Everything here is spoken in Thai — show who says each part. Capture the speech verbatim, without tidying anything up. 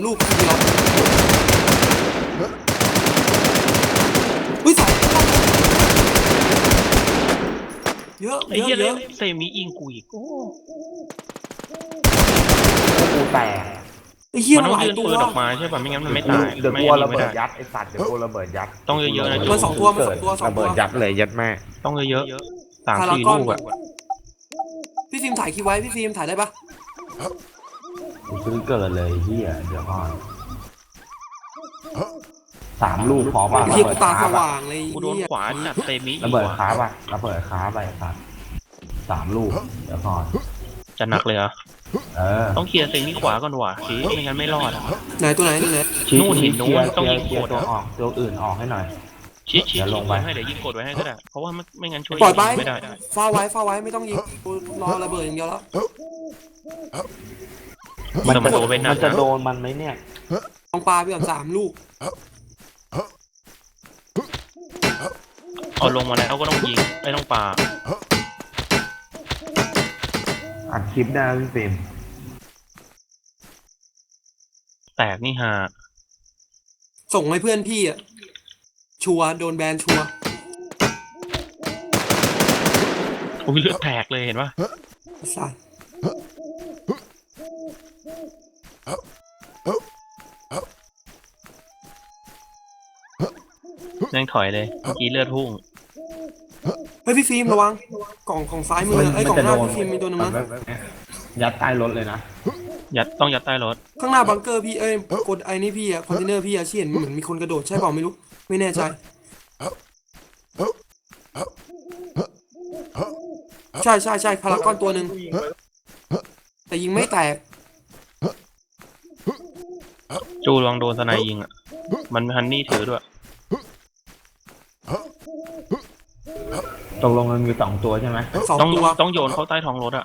Speaker 1: ลูกทีเดียวอุ้ยสายเยอะ
Speaker 2: ไอ้
Speaker 1: เยอะ
Speaker 2: เหี้ย
Speaker 1: เย
Speaker 2: เล่
Speaker 1: อะ
Speaker 2: นเซมิอิงกูอีกโอ้
Speaker 3: กูแตก
Speaker 1: ไอ้เหี้ย
Speaker 2: มัน
Speaker 1: มัน
Speaker 2: ต้อ
Speaker 1: ห
Speaker 2: ง
Speaker 1: ลาย
Speaker 2: ยืน
Speaker 1: ตัว
Speaker 2: ปืนออกมาใช่ป่ะไม่งั้นมันไม่ตาย
Speaker 3: เดี๋ยว
Speaker 2: ไม่
Speaker 3: กลัว
Speaker 2: ยิ
Speaker 3: ระ
Speaker 2: งไม่
Speaker 3: เบิ
Speaker 2: ได้
Speaker 3: ดยัดไอ้สัตว์เดี๋ยวกลัวระเบิดยัด
Speaker 2: ต้องเยอะๆนะ
Speaker 1: มันสองตัวมันสองตัวสอง
Speaker 3: ระ
Speaker 1: ตั
Speaker 3: เบิ
Speaker 1: ว
Speaker 3: ดยัดเลยยัดแม่
Speaker 2: ต้องเยอะๆสาม
Speaker 1: พาร
Speaker 2: สี่
Speaker 1: กอน
Speaker 2: ลูกอะ
Speaker 1: พี่ฟิล์มถ่ายคลิปไว้พี่ฟิล์มถ่ายได้ปะ
Speaker 3: กูซื้อเกินเลยเฮียเดี๋ยวก่อนสามลูกพอป่ะ
Speaker 1: ไอ้
Speaker 3: ระ
Speaker 1: เหี้ย
Speaker 3: เบิ
Speaker 1: กู
Speaker 3: ด
Speaker 1: ตา
Speaker 3: ค้า
Speaker 1: ส
Speaker 3: ป่ะ
Speaker 1: ว่างเลย
Speaker 2: กูโดน
Speaker 1: เหี้ย
Speaker 2: ขวาจัดเซมิอี
Speaker 3: ระ
Speaker 2: ก
Speaker 3: เบิด
Speaker 2: ว่ะ
Speaker 3: ค้าป่ะระเบิดค้าไปสัตว์สามลูกเดี๋ยวก่อน
Speaker 2: จะหนักเลยเหรอ
Speaker 3: เออ
Speaker 2: ต้องเคลียร์เซมิขวาก่อนว่ะชี้ไม่งั้นไม่รอดอะ
Speaker 1: ไหนตัวไหนตัวไหน
Speaker 2: นู่นหินนู้นต้องยิง
Speaker 3: เคลียร์
Speaker 2: กด
Speaker 3: ตัว
Speaker 2: อะ
Speaker 3: ออกตัวอื่นออกให้หน่อย
Speaker 2: ชี้ชี้
Speaker 3: เดี๋ยวล
Speaker 2: ยิ
Speaker 3: ง
Speaker 2: ง
Speaker 3: ไป
Speaker 2: ให้เดี๋ยวยิงกดไว้ให้ก็ได้เพราะว่าไม่ไม่งั้นช่วย
Speaker 1: ปล่อยไป
Speaker 2: ไม่ได้
Speaker 1: เฝ้าไว้เฝ้าไว้ไม่ต้องยิงกูรอระเบิดอย่างเดียวแล้ว
Speaker 2: มันจะโดนไปหนั
Speaker 3: มั
Speaker 2: ก
Speaker 3: นจะ
Speaker 2: นะ
Speaker 3: โดนมันไหมเนี่ย
Speaker 1: ลองปลาไปก่อนสามลูก
Speaker 2: เอาลงมาแล้วก็ต้องยิงไม่ต้องปา
Speaker 3: อัดคลิปได้พี่ฟิล์ม
Speaker 2: แตกนี่ฮะ
Speaker 1: ส่งให้เพื่อนพี่อ่ะชัวร์โดนแบนชัวร์
Speaker 2: โอ้ยเลือดแตกเลยเห็นปะ
Speaker 1: ไอ้สัส
Speaker 2: นั่งถอยเลยเมื่อกี้เลือดพุ่ง
Speaker 1: เฮ้ยพี่ฟิล์มระวังกล่องของซ้ายมือไอ้ยกล่องหน้าพี่ฟิล์มมีตัวหนึงนะ
Speaker 3: ยัดใต้รถเลยนะ
Speaker 2: ยัดต้องยัดใต้รถ
Speaker 1: ข้างหน้าบังเกอร์พี่เอ้ยกดไอ้นี่พี่อะคอนเทนเนอร์พี่อะที่เห็นเหมือนมีคนกระโดดใช่เปล่าไม่รู้ไม่แน่ใจใช่ใช่ใช่พารากอนตัวหนึ่งแต่ยิงไม่แตก
Speaker 2: จูลองโดนสไนยิงอ่ะมันฮันนี่ถือด้วย
Speaker 3: ตกลงมันมีสองตัวใช่ไหม
Speaker 1: สอง
Speaker 2: ต้อง
Speaker 1: ตัว
Speaker 2: ต้องโยนเข้าใต้ท้องรถอ่ะ